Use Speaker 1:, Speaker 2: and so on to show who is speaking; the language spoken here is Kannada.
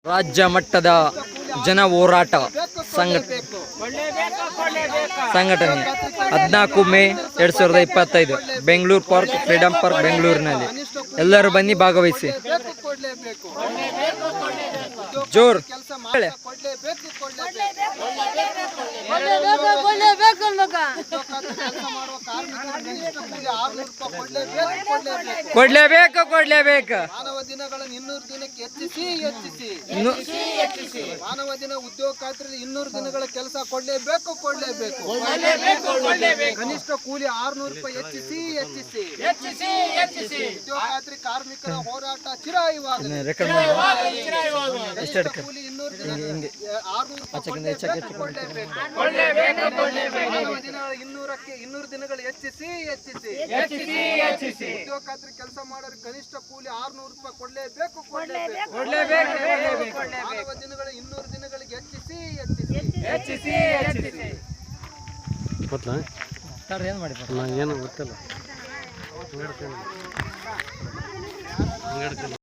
Speaker 1: ರಾಜ್ಯ ಮಟ್ಟದ ಜನ ಹೋರಾಟ ಸಂಘಟನೆ 14 May 2025 Bengaluru park freedom park ಬೆಂಗಳೂರಿನಲ್ಲಿ ಎಲ್ಲರೂ ಬನ್ನಿ ಭಾಗವಹಿಸಿ. ಜೋರ್ ಕೊಡ್ಲೇಬೇಕು.
Speaker 2: ಮಾನವ ದಿನಗಳನ್ನು 200 ದಿನಕ್ಕೆ ಹೆಚ್ಚಿಸಿ ಮಾನವ ದಿನ ಉದ್ಯೋಗ ಖಾತ್ರಿಯಲ್ಲಿ 200 ದಿನಗಳ ಕೆಲಸ ಕೊಡ್ಲೇಬೇಕು. ಕನಿಷ್ಠ ಕೂಲಿ 600 ರೂಪಾಯಿ ಹೆಚ್ಚಿಸಿ ಉದ್ಯೋಗ ಖಾತ್ರಿ ಕಾರ್ಮಿಕರ ಹೋರಾಟ ಚಿರಾಯುವಾಗಲಿ. ಕೂಲಿ 200 ದಿನ 600 ಮಾನವ ದಿನಗಳ 200 ದಿನಗಳು ಹೆಚ್ಚಿಸಿ ಉದ್ಯೋಗ ಖಾತ್ರಿ ಕೆಲಸ ಮಾಡೋರು ಕನಿಷ್ಠ ಕೂಲಿ 600 ರೂಪಾಯಿ ಕೊಡ್ಲೇಬೇಕು. ಮಾನವ ದಿನಗಳ 200 ದಿನಗಳಿಗೆ ಹೆಚ್ಚಿಸಿ
Speaker 1: ಏನು ಮಾಡಿ
Speaker 3: ಏನು ಗೊತ್ತಿಲ್ಲ.